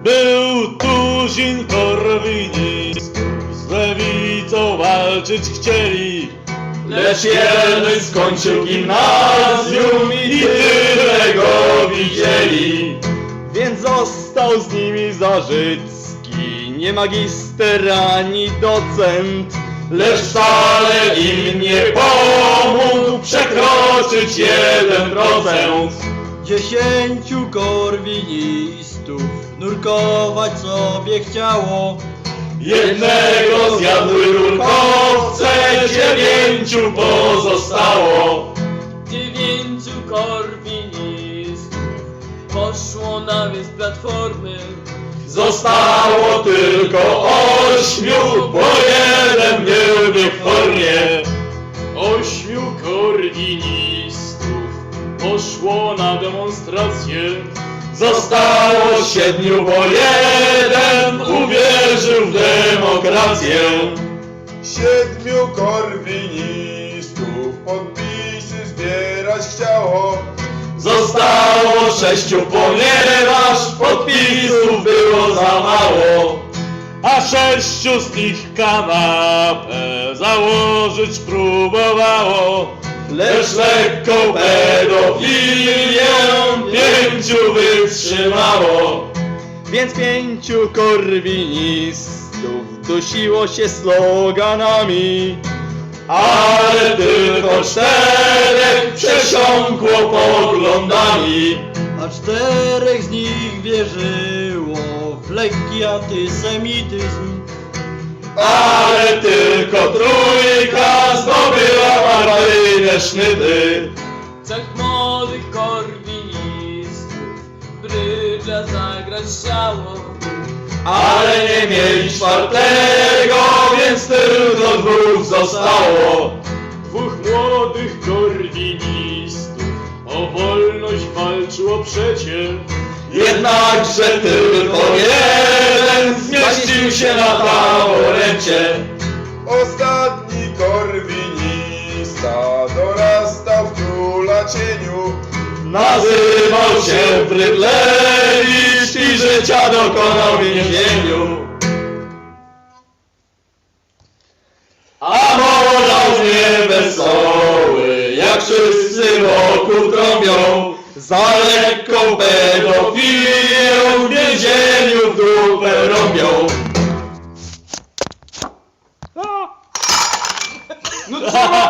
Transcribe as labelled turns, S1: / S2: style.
S1: Był tuzin korwinistów, z lewicą walczyć chcieli,
S2: lecz jeden skończył gimnazjum i tyle go widzieli.
S3: Więc został z nimi Zarzycki, nie magister ani docent,
S2: Lecz wcale im nie pomógł przekroczyć 1%.
S4: 10 korwinistów nurkować sobie chciało.
S2: Jednego zjadły rurkowce, 9 pozostało.
S5: 9 korwinistów poszło na wieś Platformy.
S2: Zostało tylko 8, bo jeden nie był w formie.
S1: 8 korwinistów poszło na demonstrację.
S2: Zostało 7, bo jeden uwierzył w demokrację.
S6: 7 korwinistów podpisy zbierać chciało.
S2: Zostało 6, ponieważ podpisów było za mało.
S1: A 6 z nich kanapę założyć próbowało.
S2: Lecz lekką pedofilię 5 wytrzymało.
S3: więc 5 korwinistów dusiło się sloganami.
S2: Ale tylko 4 przesiąkło poglądami.
S4: A 4 z nich wierzyło w lekki antysemityzm.
S2: Ale tylko 3 zdobyła partyjne sznyty.
S5: 3 młodych korwinistów brydża zagrać chciało.
S2: Ale nie mieli 4, więc tylko 2 zostało.
S1: 2 młodych korwinistów o wolność walczyło przecie.
S2: Jednakże tylko jeden zmieścił się na taborecie.
S6: Ostatni korwinista dorastał w króla cieniu.
S2: Nazywał się Brydlewicz i życia dokonał w więzieniu. A morał nie wesoły, jak wszyscy wokół trąbią, za lekką pedofilię